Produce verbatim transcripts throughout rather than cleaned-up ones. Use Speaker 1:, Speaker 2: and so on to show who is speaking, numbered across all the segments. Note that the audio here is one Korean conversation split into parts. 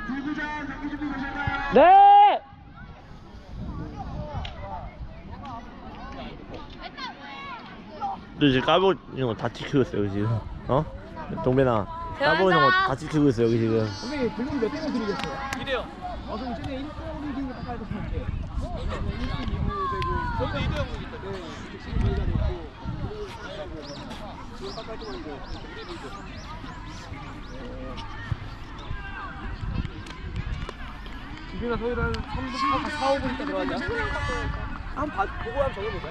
Speaker 1: 네! 너 지금 까보 이런 거 다 지키고 있어 여기 지금. 어? 동배나 까보 이런 거 다 지키고 있어 여기 지금.
Speaker 2: 선생님 불금 몇 대면 드리겠어요?
Speaker 3: 이래요.
Speaker 2: 어 그럼 쟤네 일 등 기준으로 깎아야 될것 같아요. 일 등, 이 부 되고
Speaker 3: 저희도 이 대 영이기 때문에.
Speaker 2: 네, 지금 저희가 됐고 지금 깎아야 되는 거 지금이나 서희를 한 삼 분, 사, 오 분 있다 들어가자. 한번 봐, 보고 한번 적어보자.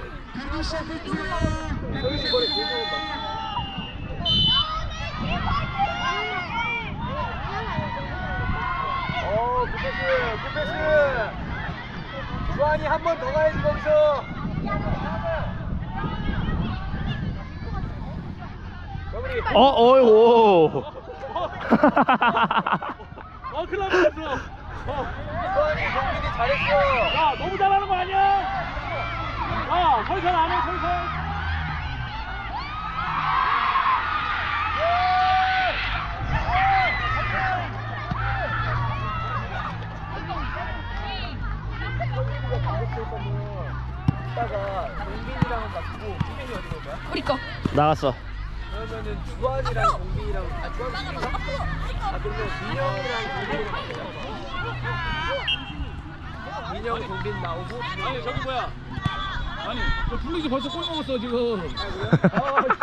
Speaker 2: 서희 씨 거리 계속 봐. 어, 굿패스, 굿패스. 주한이 한 번 더 가야지 거기서. 정리.
Speaker 1: 어, 어이구.
Speaker 3: 어, 큰일 났어.
Speaker 2: 어, 주한이, 동민이 잘했어.
Speaker 3: 야, 너무 잘하는 거 아니야? 야, 설설 안 해, 설설.
Speaker 2: 이따가 동빈이랑은 맞고 동빈이 어디 갈 거야?
Speaker 4: 우리 거.
Speaker 1: 나갔어.
Speaker 2: 그러면은 주한이랑 동빈이랑 아 주한 동빈이랑 아 그러면 민영이랑 동빈이랑 맞자. 민영 동빈 나오고
Speaker 3: 아니, 저기 뭐야? 아니, 저 블루즈 벌써 골 먹었어, 지금.
Speaker 2: 아 그래요?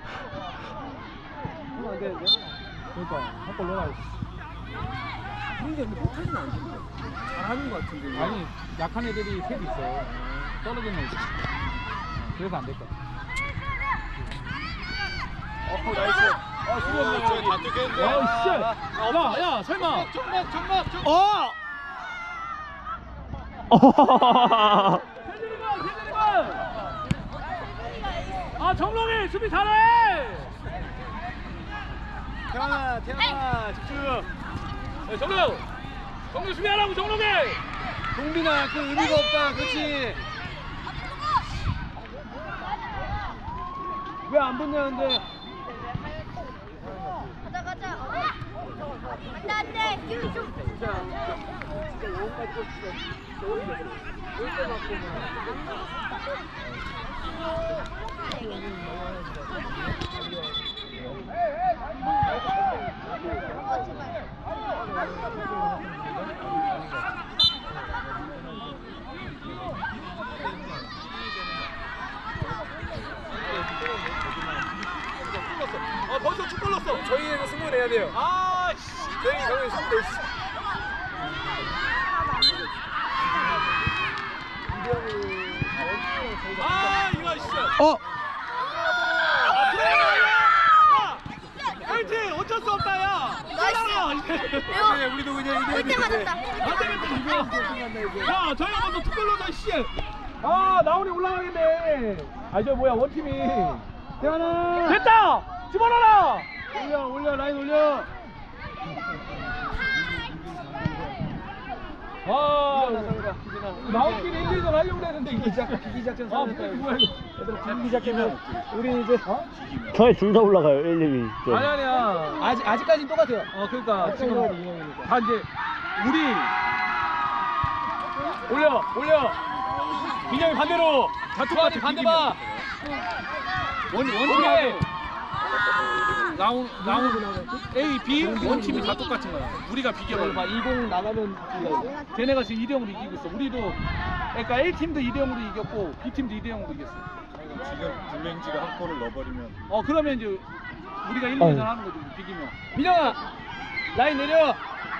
Speaker 2: 아 안 되는데? 그러니까 한골 넣어야지. 근데 못하진 않던데. 잘하는 거 같은데.
Speaker 3: 아니, 약한 애들이 셋 있어. 떨어지는 애들. 그래서 안 될 거야.
Speaker 2: 어 나이스. 아 수고했네.
Speaker 3: 저기 다 뜯겠는데. 야, 씨. 야, 야, 설마. 정막, 정막, 정막.
Speaker 1: 어!
Speaker 3: 세준이가, 세준이가. 아, 정롱이 수비 잘해.
Speaker 2: 태환아, 태환아 집중.
Speaker 3: 야, 정롱. 정롱 수비하라고, 정롱이.
Speaker 2: 동빈아 그 의미가 없다. 그렇지. 왜 안 붙냐는데.
Speaker 4: 가자 가자. 안돼 안돼. 기운 좀.
Speaker 2: 진짜 진짜 영혼까지 좀 진짜 여기서 맞고
Speaker 3: 아, 벌써 축 걸렸어.
Speaker 2: 저희는 승부 내야 돼요.
Speaker 3: 아, 씨.
Speaker 2: 저희 저희 승부 내.
Speaker 3: 아, 이거 진짜.
Speaker 1: 어!
Speaker 3: 아, 그래. 야, 화이팅. 어쩔 수 없다, 야.
Speaker 2: 네, 우리도 그냥 이겨야
Speaker 4: 올 때 맞았다.
Speaker 3: 안 되겠다. 야, 저희 먼저 투 걸러다 씨. 아, 나훈이 올라가겠네. 아, 저 뭐야, 원팀이.
Speaker 2: 태환아.
Speaker 3: 됐다. 집어넣어라.
Speaker 2: 올려 올려 라인 올려.
Speaker 3: 아,
Speaker 2: 나웃길이 일, 이전 하려고 했는데 이게 작전 기기 작전
Speaker 3: 아,
Speaker 2: 사냈다.
Speaker 3: 뭐야, 이거.
Speaker 2: 얘들아 기기 작전면 우리 이제 어?
Speaker 1: 저희 둘 다 올라가요 일, 이 위. 좀.
Speaker 2: 아니 아니야. 아직 아직까지는 똑같아요. 어 그러니까 지금 다 이제 우리 올려 올려. 민영이 반대로. 자투한이 반대 봐.
Speaker 3: 원, 원팀에 나온 나온 A, B 원팀이 다 똑같은 거야. 우리가 비교를
Speaker 2: 봐 이공 나가면
Speaker 3: 걔네가 지금 이 대 영으로 이기고 있어. 우리도 그러니까 A 팀도 이 대 영으로 이겼고 B 팀도 이 대 영으로 이겼어.
Speaker 5: 지금 블랭지가 한 골을 넣어버리면
Speaker 3: 어 그러면 이제 우리가 일, 이 전 하는 거지 비기면.
Speaker 2: 민영아 라인 내려.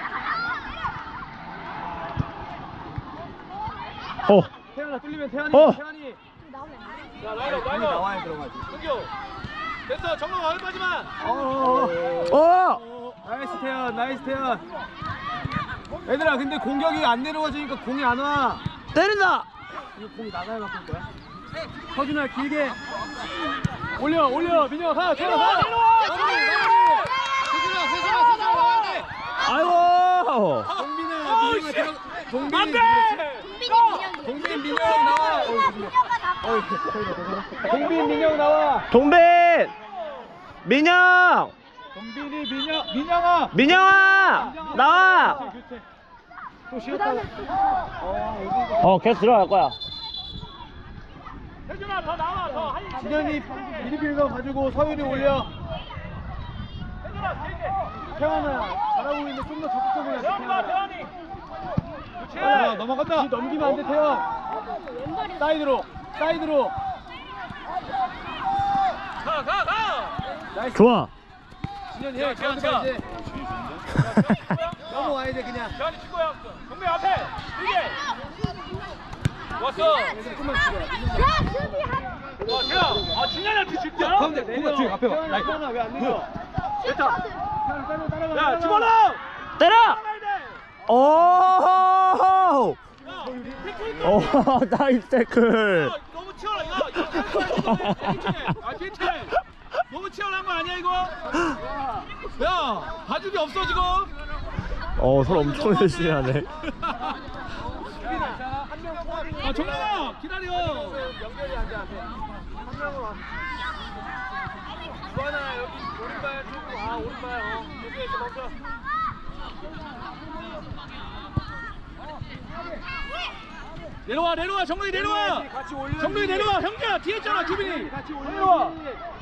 Speaker 1: 어!
Speaker 2: 태환아 뚫리면 태환이
Speaker 1: 어.
Speaker 2: 태환이.
Speaker 3: 야 라이너
Speaker 2: 라인
Speaker 3: 라이너.
Speaker 2: 나와야 들어가지.
Speaker 3: 승교. 됐어 정말 얼마지만.
Speaker 2: 어.
Speaker 1: 어!
Speaker 2: 나이스 태연 나이스 태연. 얘들아 근데 공격이 안 내려와주니까 공이 안 와.
Speaker 1: 때린다!
Speaker 2: 이거 공이 나가야 바꿀 거야. 서준아 길게 올려 올려 민혁 가 태연 가.
Speaker 3: 내려와,
Speaker 2: 마무리
Speaker 3: 내려와.
Speaker 2: 마무리. 세준아 세준아 세준아 나와야 돼.
Speaker 1: 아이고!
Speaker 2: 동빈아
Speaker 3: 어우,
Speaker 2: 민혁아
Speaker 3: 씨.
Speaker 2: 들어. 동빈
Speaker 3: 안 돼!
Speaker 2: 동빈 민혁 나와. 어이, 동빈 민혁 나와.
Speaker 1: 동빈! 민영!
Speaker 2: 동빈이 민영 민영아.
Speaker 1: 민영아 나와.
Speaker 2: 교체. 또 쉬었다가. 어 여기.
Speaker 1: 어 계속 들어갈 거야.
Speaker 3: 혜준아 더 나와 더 한.
Speaker 2: 진현이 미드필더 가지고 서윤이 올려.
Speaker 3: 혜준아 길게.
Speaker 2: 태환아 잘하고 있는데 좀 더 적극적으로 해.
Speaker 3: 태환이 봐 태환이. 그렇지.
Speaker 2: 아, 넘어간다. 넘기면 안 돼, 태환. 사이드로, 사이드로.
Speaker 3: 가 가 가.
Speaker 2: 나이스.
Speaker 1: 좋아.
Speaker 2: 진현이
Speaker 3: 야,
Speaker 2: 해.
Speaker 3: 태환,
Speaker 2: 가운데
Speaker 3: 태환.
Speaker 2: 이제 넘어와야 돼 그냥.
Speaker 3: 태환이 친구야. 동네 앞에. 길게. 왔어.
Speaker 2: 조금만 줄여.
Speaker 4: 야, 수비 한.
Speaker 3: 와 태환. 아 진현이한테 줄게.
Speaker 2: 가운데 공간 뒤에 앞에 봐.
Speaker 3: 나이스.
Speaker 2: 태환아 왜안 내려?
Speaker 3: 됐다.
Speaker 2: 따라 따라가.
Speaker 3: 야 집어넣어.
Speaker 1: 때려.
Speaker 3: 나가야 돼.
Speaker 1: 오.
Speaker 3: 야, 태클
Speaker 1: 오 나이스 태클.
Speaker 3: 야, 너무 치열하. 야, 이거 아, 괜찮아. 너무 치열한 거 아니야 이거? 야, 봐주기 없어 지금.
Speaker 1: 어 서로 엄청 열심히 하네.
Speaker 3: 아, 정민아 기다려.
Speaker 2: 연결이 안 돼. 한 명으로 와. 주하나 여기 오른발 쪽으로 와. 오른발. 어. 여기에서 멈춰.
Speaker 3: 내려와 내려와 정민이 내려와.
Speaker 2: 같이 올려.
Speaker 3: 정민이 내려와 형제야 뒤에 있잖아 주빈이.
Speaker 2: 같이 올려.
Speaker 3: 내려와.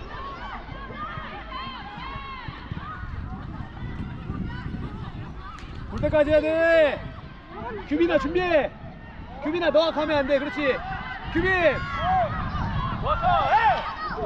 Speaker 2: 볼 때까지 해야 돼. 규빈아 준비해. 규빈아 너가 가면 안 돼. 그렇지. 규빈.
Speaker 3: 왔어. 해.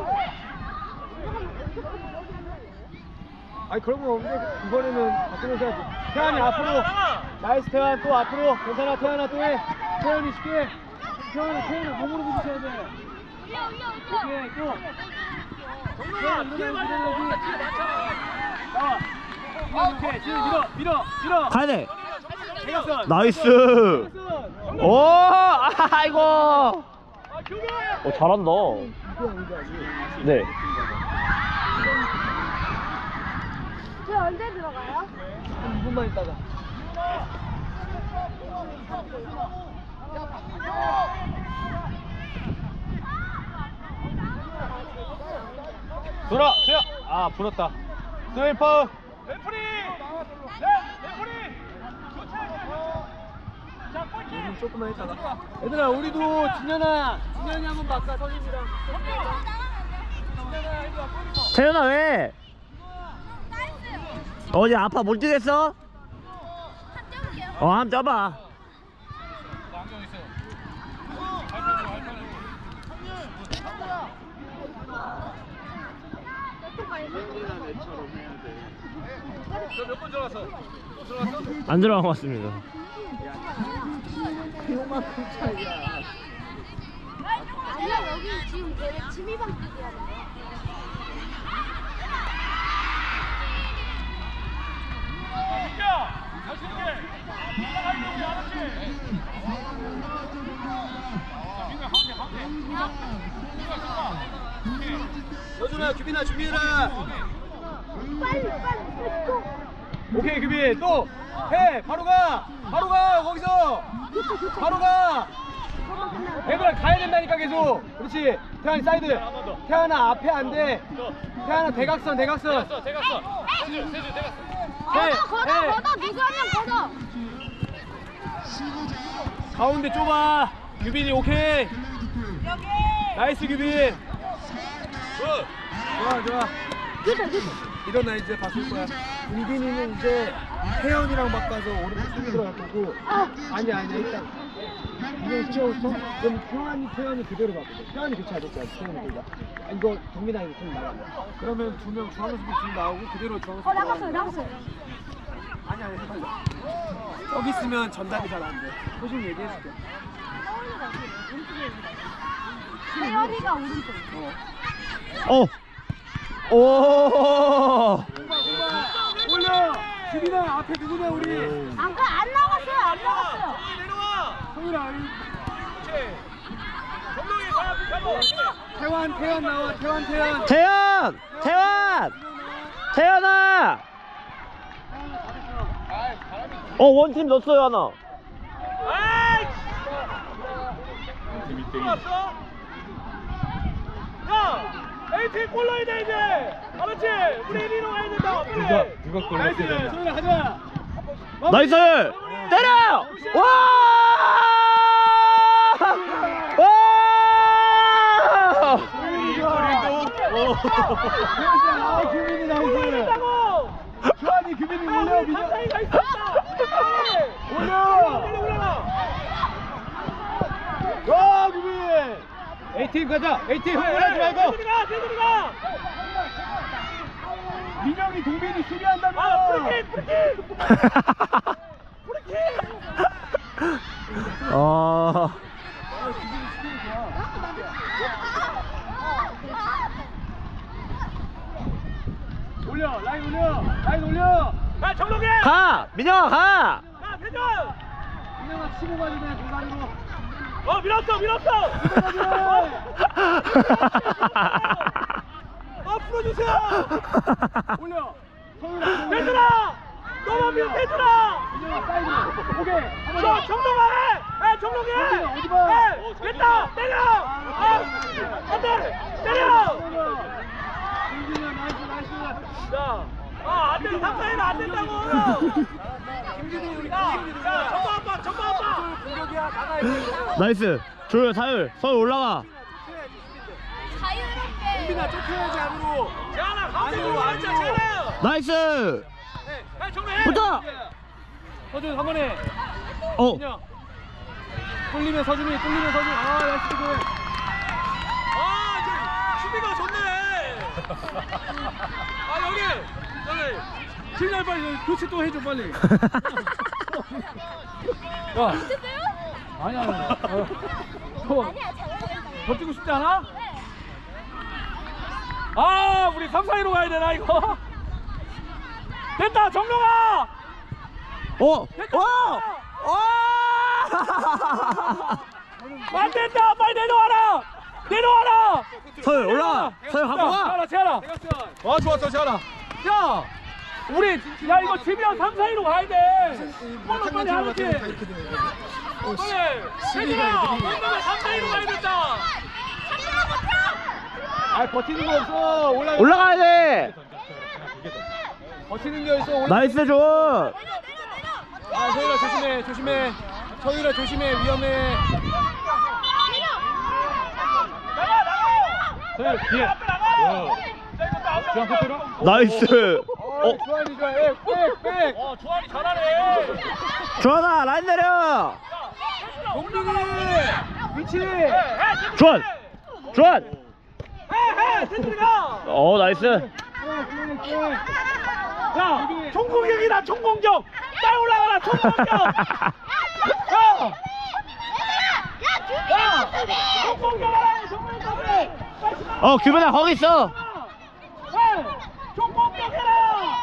Speaker 2: 아니 그런 건 없는데 이번에는 바꾸면서 해야지. 태환이 앞으로. 나이스 태환 또 앞으로. 괜찮아 태환아 또 해. 태환이 쉽게. 태환아 태환아 몸으로 부딪혀야 돼. 오케이 또.
Speaker 3: 정민아 뒤에 맞아. 뒤에 맞잖아.
Speaker 2: 나와. 오케이 지금 밀어 밀어 밀어.
Speaker 1: 가야 돼.
Speaker 2: 대각선.
Speaker 1: 나이스.
Speaker 2: 대각선.
Speaker 1: 오 아이고.
Speaker 3: 아 규빈.
Speaker 1: 어 잘한다. 네.
Speaker 4: 저 언제 들어가요?
Speaker 2: 한 이 분만 있다가. 돌아 주야. 아 불었다. 스웨이 파울.
Speaker 3: 레프리. 네 레프리. 교체. 자 골킥.
Speaker 2: 조금만 있다가. 얘들아 우리도 진현아 진현이 한번 바꿔 선임이랑. 진현아 이리 와 골.
Speaker 1: 태연아 왜? 어제 아파 못 뛰겠어? 어 한번 떠봐.
Speaker 3: 몇 번 들어갔어? 또 들어갔어?
Speaker 1: 안 들어간 것 같습니다.
Speaker 2: 이만큼 차이야.
Speaker 4: 아니야, 여기 지금 대회 취미방 뛰기 하는데.
Speaker 3: 민규! 다시 이렇게! 올라가야 돼, 알았지? 민규 가운데, 가운데.
Speaker 2: 여준아 규빈아 준비해라.
Speaker 4: 빨리, 빨리, 또.
Speaker 2: 오케이 규빈 또 해. 바로 가. 바로 가 거기서. 바로 가. 얘들아 가야 된다니까 계속. 그렇지. 태환이 사이드. 태환아 앞에 안 돼. 태환아 대각선 대각선.
Speaker 3: 대갔어, 대갔어. 세주, 세주, 대갔어.
Speaker 2: 해.
Speaker 4: 걷어, 걷어,
Speaker 2: 해.
Speaker 4: 걷어, 누가 하면 걷어.
Speaker 2: 가운데 좁아. 규빈이 오케이. 나이스 규빈. 좋아 좋아. 일어나 이제 바꿀 거야. 은빈이는 이제 태연이랑 바꿔서 오른쪽 수비 들어갈 거고. 아니야 아니야 일단. 이거 시켜줬어? 그럼 태연이 태연이 그대로 바꾸자. 태연이 교체 안 했지 아직 태연이 그가. 이거 동민아 이거 좀 나가. 그러면 두 명 중앙 수비 둘 나오고 그대로 중앙 수비.
Speaker 4: 어, 나갔어요, 나갔어요.
Speaker 2: 아니야 아니야 빨리. 여기 있으면 전달이 잘 안 돼. 소식 얘기해줄게.
Speaker 4: 태연이가 오른쪽.
Speaker 1: 어. 오.
Speaker 2: 올려. 규빈아 앞에 누구냐 우리.
Speaker 4: 안 가, 안 나갔어요, 안 나갔어요.
Speaker 3: 내려와!
Speaker 2: 성훈아.
Speaker 3: 그렇지. 정동이 가, 붙잡아.
Speaker 2: 태환 태환 나와 태환 태환.
Speaker 1: 태연! 태연! 태연아! 어 원팀 넣었어요 하나.
Speaker 3: 아이!
Speaker 5: 밑에
Speaker 3: 들어왔어? 야! 에이팀 골 넣어야 돼 이제. 알았지? 우리 일 위로 가야 된다.
Speaker 5: 누가 누가 골 넣었어야 되나?
Speaker 3: 소연아 하지마.
Speaker 1: 나이스! 때려! 와! 와!
Speaker 2: 아, 규민이 나이스. 주한이 규민이 올려. 민혁.
Speaker 3: 사이가 있었다.
Speaker 2: 올려.
Speaker 3: 올라가.
Speaker 2: 와, 규민. A팀 가자. A팀 흥분하지 말고.
Speaker 3: 대들이가 대들이가.
Speaker 2: 민혁이 동빈이 수비한다며.
Speaker 3: 아 프리킥 프리킥. 프리킥.
Speaker 1: 아.
Speaker 2: 올려. 라인 올려. 라인 올려.
Speaker 3: 야 정동현.
Speaker 1: 가! 민영아 가!
Speaker 3: 야 대전.
Speaker 2: 민혁아 치고 가야 돼. 공간으로.
Speaker 3: 어 밀었어 밀었어. 아 풀어주세요.
Speaker 2: 올려.
Speaker 3: 대준아. 너만 밀 대준아.
Speaker 2: 민혁아 사이드. 오케이. 한번
Speaker 3: 저
Speaker 2: 더.
Speaker 3: 정동아 해. 해 정동이 해.
Speaker 2: 어디 봐.
Speaker 3: 해. 됐다 때려. 아 안돼 때려.
Speaker 2: 김진현 나이스 나이스.
Speaker 3: 자, 아, 안 돼, 삼 사이는 안 된다고! 야, 야, 전방 아빠, 전방 아빠!
Speaker 2: 공격이야. 나가야 돼.
Speaker 1: 나이스! 조율 사율 서울 올라가!
Speaker 4: 자유롭게.
Speaker 2: 민아 쫓겨야지 안으로.
Speaker 3: 재환아, 가운데로 앉아, 재환아!
Speaker 1: 나이스!
Speaker 3: 야, 정리해!
Speaker 1: 붙어!
Speaker 2: 서준 한 번에.
Speaker 1: 어!
Speaker 2: 민혁. 뚫리면 서준이 뚫리면 서준. 아 나이스 그.
Speaker 3: 아, 이제 수비가 좋네! 아, 여기! 여기!
Speaker 2: 진날 빨리 교체 또 해줘 빨리. 야. 아니야 아니야. 어. 더,
Speaker 4: 아니야, 잘하겠다.
Speaker 2: 더 뛰고 싶지 않아? 아 우리 삼 사이로 가야 되나 이거? 됐다 정룡아.
Speaker 1: 어! 어! 어!
Speaker 2: 안 된다 빨리 내려와라. 내려와라.
Speaker 1: 서울 올라가! 서울 갖고 가!
Speaker 2: 재현아 재현아.
Speaker 5: 아 좋았어 재환아.
Speaker 2: 야 우리 야 이거 지면 삼 사이로 가야 돼. 빨리 빨리 하는지. 빨리.
Speaker 3: 대준아! 오늘은 삼 사이로 가야 된다!
Speaker 2: 아 버티는 거 없어. 올라.
Speaker 1: 올라가야 돼!
Speaker 2: 버티는 게 있어. 올라.
Speaker 1: 나이스 줘!
Speaker 2: 아 서유라 조심해 조심해. 서유라 조심해 위험해.
Speaker 3: 나가, 나가!
Speaker 2: 서유 뒤에.
Speaker 3: 앞에 나가!
Speaker 2: 주한 코트로.
Speaker 1: 나이스!
Speaker 2: 어 주한이 좋아. 백백.
Speaker 3: 어, 조한이 잘하네!
Speaker 1: 주환아 라인 내려!
Speaker 2: 동빈이 위치.
Speaker 1: 주환! 주환!
Speaker 3: 해, 해! 대준이가!
Speaker 1: 어 나이스!
Speaker 3: 야, 총공격이다, 총공격! 빨리 올라가라, 총공격! 야! 야! 총공격하라, 총공격!
Speaker 1: 어 규빈아 거기 있어!
Speaker 3: 해! 총공격해라!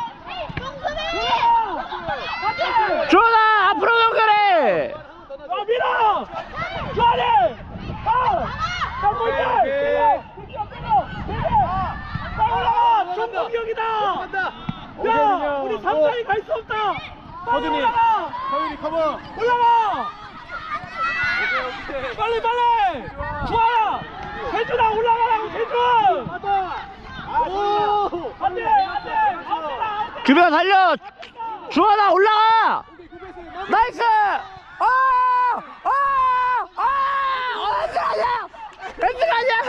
Speaker 1: 주환아 앞으로 연결해!
Speaker 3: 아, 밀어! 주환이! 아! 총공격! 밀어! 밀어! 밀어! 빨리 올라가! 총공격이다! 야! 우리 삼 사이 갈 수 없다! 빨리
Speaker 2: 서준이.
Speaker 3: 올라가!
Speaker 2: 서윤이 커버.
Speaker 3: 올라가! 빨리 빨리! 주아야! 세준아 올라가라고 세준! 오! 안돼 안돼! 안돼!
Speaker 1: 규빈아 달려! 주환아 올라가! 나이스! 아! 아! 아! 어, 엔드 아니야! 엔드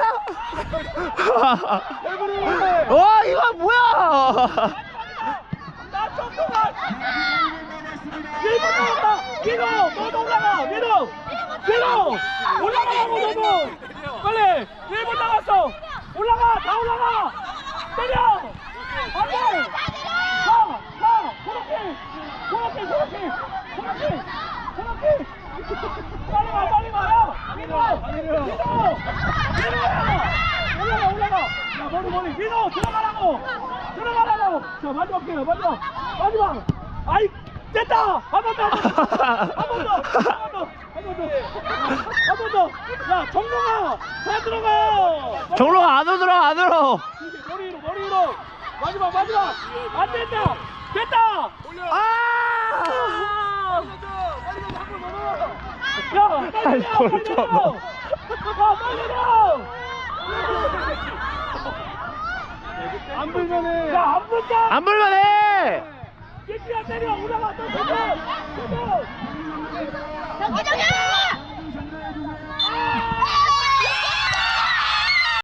Speaker 1: 아니야! 와 이거 뭐야!
Speaker 3: 나 정동아! 밀고 나온다! 밀어! 너도 올라가! 밀어! 밀어! 올라가라고 너도! 빨리! 일 분 나갔어! 올라가! 다 올라가! 때려! 안돼! 가! 가! 그렇게! 그렇게! 그렇게! 그렇게! 그렇게! 빨리 와! 빨리 와! 야! 밀어! 밀어! 밀어! 올라가! 올라가! 야 머리 머리! 밀어! 들어가라고! 들어가라고! 자 마지막 기회야 마지막! 마지막! 아이! 됐다! 한 번 더! 한 번 더! 한 번 더! 한 번 더! 한 번 더! 야 정동아! 다 들어가!
Speaker 1: 정로가 안으로 들어 안으로!
Speaker 3: 머리 위로 머리 위로! 마지막 마지막! 안 된다! 됐다!
Speaker 1: 아!
Speaker 3: 야! 빨리 내려! 빨리 내려! 야 빨리 내려!
Speaker 2: 안 불면은.
Speaker 3: 야, 안 붙다!
Speaker 1: 안 불만해.
Speaker 3: 깨끼야 때려! 올라가! 또 던져! 던져!
Speaker 4: 정기 정기!